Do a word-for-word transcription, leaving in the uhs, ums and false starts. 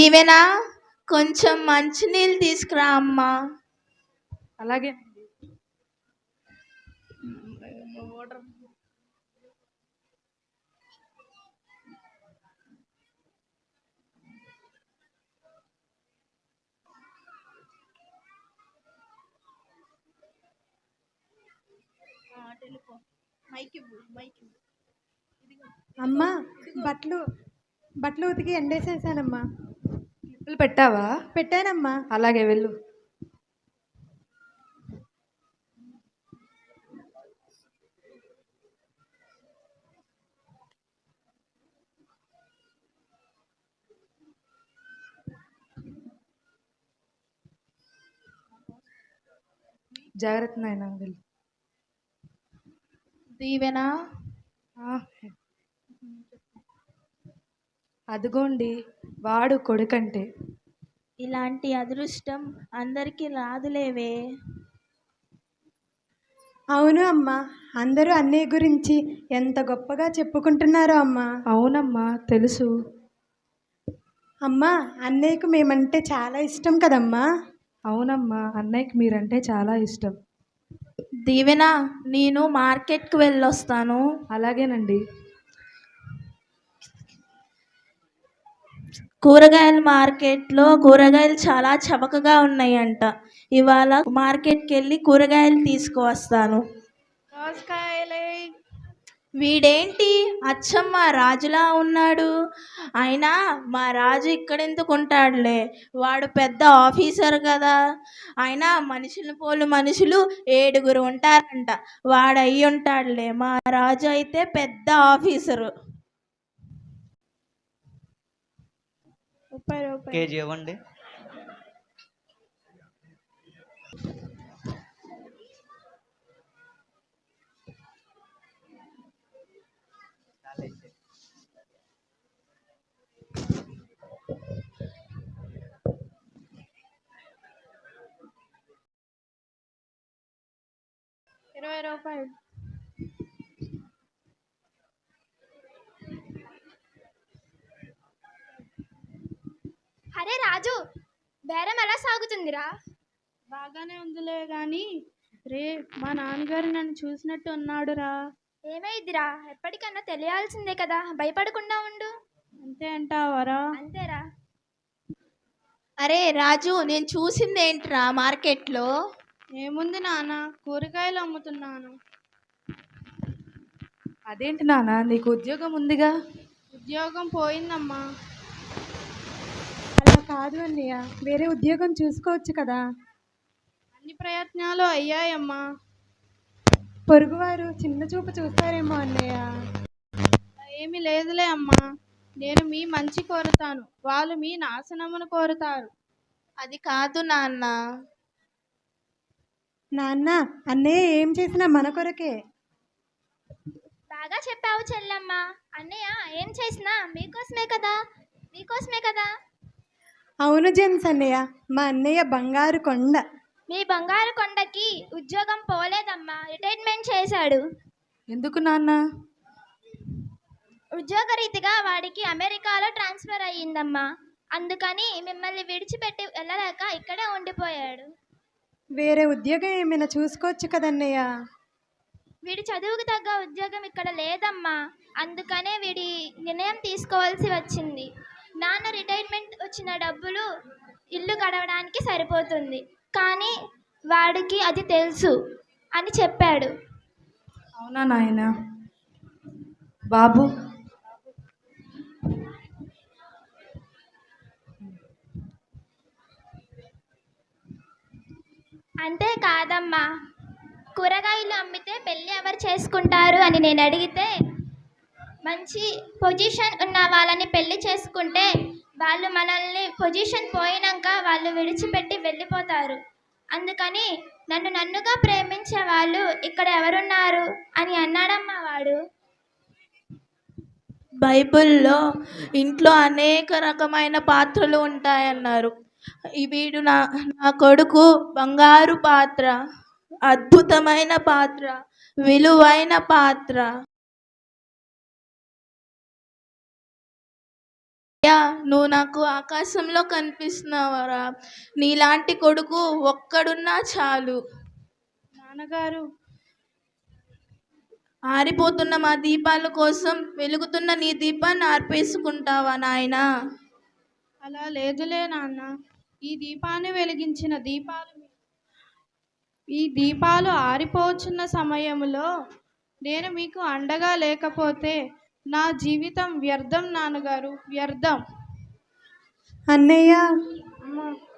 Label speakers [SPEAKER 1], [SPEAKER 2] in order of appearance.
[SPEAKER 1] దీవెన, కొంచెం మంచినీళ్ళు తీసుకురా అమ్మా.
[SPEAKER 2] అలాగే.
[SPEAKER 3] అమ్మా, బట్టలు బట్టలు ఉతికి ఎండేసేసానమ్మా.
[SPEAKER 2] క్లిప్పులు పెట్టావా?
[SPEAKER 3] పెట్టానమ్మా.
[SPEAKER 2] అలాగే వెళ్ళు. జాగ్రత్త నాయనా, వెళ్ళు.
[SPEAKER 1] దీవెన,
[SPEAKER 2] అదిగోండి వాడు కొడుకంటే.
[SPEAKER 1] ఇలాంటి అదృష్టం అందరికీ రాదులేవే.
[SPEAKER 3] అవును అమ్మా, అందరూ అన్నయ్య గురించి ఎంత గొప్పగా చెప్పుకుంటున్నారో అమ్మా.
[SPEAKER 2] అవునమ్మా, తెలుసు.
[SPEAKER 3] అమ్మా, అన్నయ్యకు మేమంటే చాలా ఇష్టం కదమ్మా.
[SPEAKER 2] అవునమ్మా, అన్నయ్యకి మీరంటే చాలా ఇష్టం.
[SPEAKER 1] దీవెన, నేను మార్కెట్కి వెళ్ళొస్తాను.
[SPEAKER 2] అలాగేనండి.
[SPEAKER 1] కూరగాయల మార్కెట్లో కూరగాయలు చాలా చవకగా ఉన్నాయంట. ఇవాళ మార్కెట్కి వెళ్ళి కూరగాయలు తీసుకువస్తాను. వీడేంటి అచ్చం మా రాజులా ఉన్నాడు. అయినా మా రాజు ఇక్కడెందుకు ఉంటాడులే, వాడు పెద్ద ఆఫీసర్ కదా. అయినా మనుషులు పోలు మనుషులు ఏడుగురు ఉంటారంట, వాడు అయ్యి ఉంటాడులే. మా రాజు అయితే పెద్ద ఆఫీసరు. ముప్పై రూపాయలు
[SPEAKER 4] కేజీ ఇవ్వండి.
[SPEAKER 1] ఇరవై రూపాయలు.
[SPEAKER 5] అరే రాజు, బేరం ఎలా సాగుతుందిరా?
[SPEAKER 1] బాగానే ఉందిలే గాని రే, మా నాన్నగారు నన్ను చూసినట్టు ఉన్నాడురా.
[SPEAKER 5] ఏమైందిరా? ఎప్పటికన్నా తెలియాల్సిందే కదా, భయపడకుండా ఉండు.
[SPEAKER 1] అంతే అంటావరా?
[SPEAKER 5] అంతేరా.
[SPEAKER 1] అరే రాజు, నేను చూసింది ఏంట్రా మార్కెట్లో?
[SPEAKER 6] ఏముంది నాన్న, కూరగాయలు అమ్ముతున్నాను.
[SPEAKER 2] అదేంటి నాన్న, నీకు ఉద్యోగం ఉందిగా?
[SPEAKER 6] ఉద్యోగం పోయిందమ్మా.
[SPEAKER 3] అలా కాదు అన్నయ్య, వేరే ఉద్యోగం చూసుకోవచ్చు కదా.
[SPEAKER 6] అన్ని ప్రయత్నాలు అయ్యాయమ్మా.
[SPEAKER 3] పొరుగువారు చిన్న చూపు చూస్తారేమో అన్నయ్య.
[SPEAKER 6] ఏమీ లేదులే అమ్మా, నేను మీ మంచి కోరుతాను, వాళ్ళు మీ నాశనమును కోరుతారు.
[SPEAKER 1] అది కాదు నాన్న.
[SPEAKER 3] నాన్న, అన్నయ్య ఏం చేసినా మన కొరకే.
[SPEAKER 5] బాగా చెప్పావు చెల్లమ్మ. అన్నయ్య ఏం చేసినా మీకోసమే కదా, మీకోసమే కదా.
[SPEAKER 3] అవును జేమ్స్ అన్నయ్య, మా అన్నయ్య బంగారు కొండ.
[SPEAKER 5] మీ బంగారు కొండకి ఉద్యోగం పోలేదమ్మా, రిటైర్మెంట్ చేశాడు.
[SPEAKER 2] ఎందుకు నాన్న?
[SPEAKER 5] ఉద్యోగరీతిగా వాడికి అమెరికాలో ట్రాన్స్ఫర్ అయ్యిందమ్మా, అందుకని మిమ్మల్ని విడిచిపెట్టి వెళ్ళలేక ఇక్కడే ఉండిపోయాడు.
[SPEAKER 3] వేరే ఉద్యోగం ఏమైనా చూసుకోవచ్చు కదన్నయ్య.
[SPEAKER 5] వీడి చదువుకు తగ్గ ఉద్యోగం ఇక్కడ లేదమ్మా, అందుకనే వీడి నిర్ణయం తీసుకోవాల్సి వచ్చింది. నాన్న రిటైర్మెంట్ వచ్చిన డబ్బులు ఇల్లు గడవడానికి సరిపోతుంది, కానీ వాడికి అది తెలుసు అని చెప్పాడు.
[SPEAKER 2] అవునా నాయనా? బాబు,
[SPEAKER 5] అంతే కాదమ్మా, కూరగాయలు అమ్మితే పెళ్ళి ఎవరు చేసుకుంటారు అని నేను అడిగితే, మంచి పొజిషన్ ఉన్న వాళ్ళని పెళ్ళి చేసుకుంటే వాళ్ళు మనల్ని పొజిషన్ పోయినాక వాళ్ళు విడిచిపెట్టి వెళ్ళిపోతారు. అందుకని నన్ను నన్నుగా ప్రేమించే వాళ్ళు ఇక్కడ ఎవరున్నారు అని అన్నాడమ్మా వాడు.
[SPEAKER 1] బైబిల్లో ఇంట్లో అనేక రకమైన పాత్రలు ఉంటాయన్నారు. వీడు నా నా కొడుకు బంగారు పాత్ర, అద్భుతమైన పాత్ర, విలువైన పాత్ర. అయ్యా నువ్వు నాకు ఆకాశంలో కనిపిస్తున్నావరా, నీలాంటి కొడుకు ఒక్కడున్నా చాలు.
[SPEAKER 6] నాన్నగారు
[SPEAKER 1] ఆరిపోతున్న మా దీపాల కోసం వెలుగుతున్న నీ దీపాన్ని ఆర్పేసుకుంటావా నాయనా?
[SPEAKER 6] అలా లేదులే నాన్న. ఈ దీపాన్ని వెలిగించిన దీపాలు ఈ దీపాలు ఆరిపోచున్న సమయంలో నేను మీకు అండగా లేకపోతే నా జీవితం వ్యర్థం నాన్నగారు, వ్యర్థం.
[SPEAKER 3] అన్నయ్య
[SPEAKER 6] అమ్మ